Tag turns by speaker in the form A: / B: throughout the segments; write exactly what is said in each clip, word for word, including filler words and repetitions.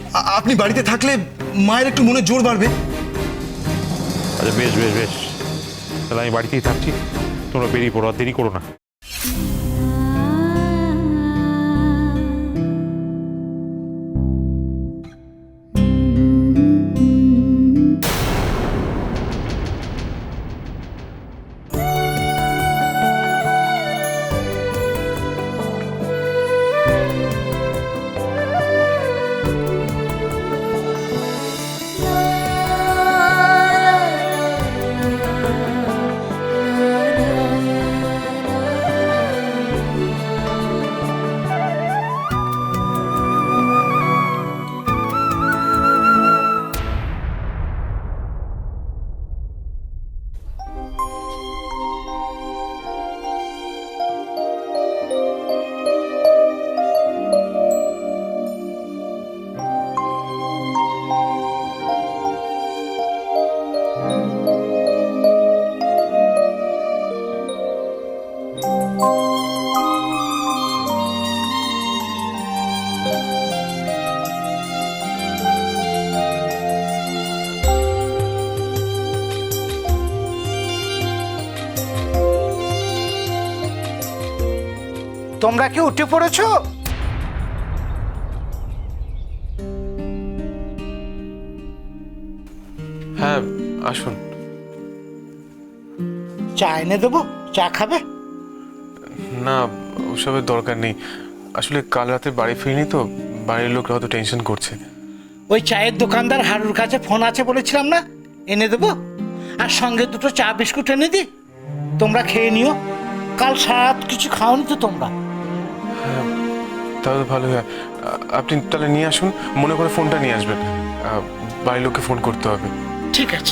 A: আপনি বাড়িতে থাকলে মায়ের একটু মনে জোর বাড়বে।
B: আচ্ছা বেশ বেশ বেশ, তাহলে আমি বাড়িতেই থাকছি, তোমরা বেরিয়ে পড়ো, আর দেরি করো না।
C: তোমরা কি উঠে পড়েছো?
B: হ্যাঁ আসুন।
C: চা এনে দেবো, চা খাবে?
B: না, ওসবের দরকার নেই, আসলে কাল রাতে বাড়ি ফিরিনি তো, বাড়ির লোক হয়তো টেনশন করছে।
C: ওই চায়ের দোকানদার হারুর কাছে ফোন আছে বলেছিলাম না, এনে দেবো। আর সঙ্গে দুটো চা বিস্কুট এনে দি, তোমরা খেয়ে নিও। কাল সারাত কিছু খাওনি তো তোমরা?
B: তাহলে ভালো হয়, আপনি তাহলে নিয়ে আসুন, মনে করে ফোনটা নিয়ে আসবেন, বাড়ির লোককে ফোন করতে হবে।
C: ঠিক আছে।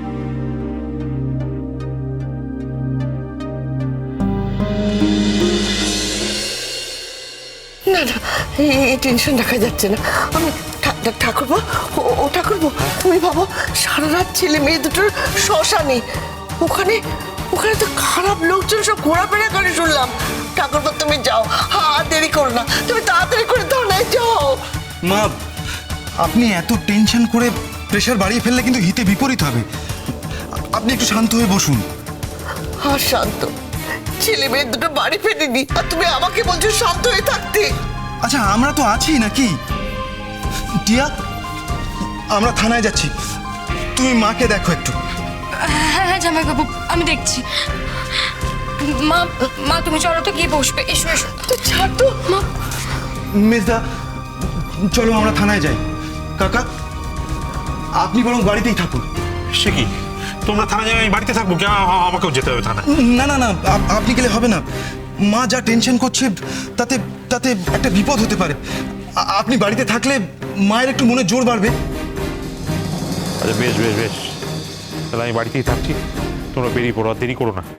D: না না, এই টেনশন রাখা যাচ্ছে না। আমি ঠাকুরপো, ও ঠাকুরপো, তুমি ভাবো সারা রাত ছেলে মেয়ে দুটোর শ্মশানে, ওখানে ওখানে তো খারাপ লোকজন সব ঘোরাফেরা করে শুনলাম। ঠাকুরপো তুমি যাও, আর দেরি করো না, তুমি তাড়াতাড়ি করে দাও না, যাও।
A: মা, আপনি এত টেনশন করে প্রেশার বাড়িয়ে ফেললে কিন্তু হিতে বিপরীত হবে। আপনি একটু শান্ত হয়ে বসুন।
D: আর শান্ত, ছেলে মেয়ে দুটো বাড়ি ফেরেনি আর তুমি আমাকে বলছো শান্ত হয়ে থাকতে।
A: আচ্ছা আমরা তো আছি নাকি? টিয়া, আমরা থানায় যাচ্ছি, তুমি মাকে দেখো একটু।
E: হ্যাঁ হ্যাঁ জামাইবাবু, আমি দেখছি। মা মা তুমি চলো তো, গিয়ে বসবে। এসো এসো।
D: ছাড় তো
E: মা।
A: মেজদা, চলো আমরা থানায় যাই। কাকা, আপনি বরং বাড়িতেই থাকুন।
F: সে কি, তোমরা থানা যাবে, আমি বাড়িতে থাকবো? কেন আমাকেও যেতে হবে থানা?
A: না না না, আপ- আপনি গেলে হবে না। মা যা টেনশন করছে তাতে তাতে একটা বিপদ হতে পারে। আ- আপনি বাড়িতে থাকলে মায়ের একটু মনে জোর বাড়বে।
B: আচ্ছা বেশ বেশ বেশ, তাহলে আমি বাড়িতেই থাকছি, তোমরা বেরিয়ে পড়ো, আর দেরি করো না।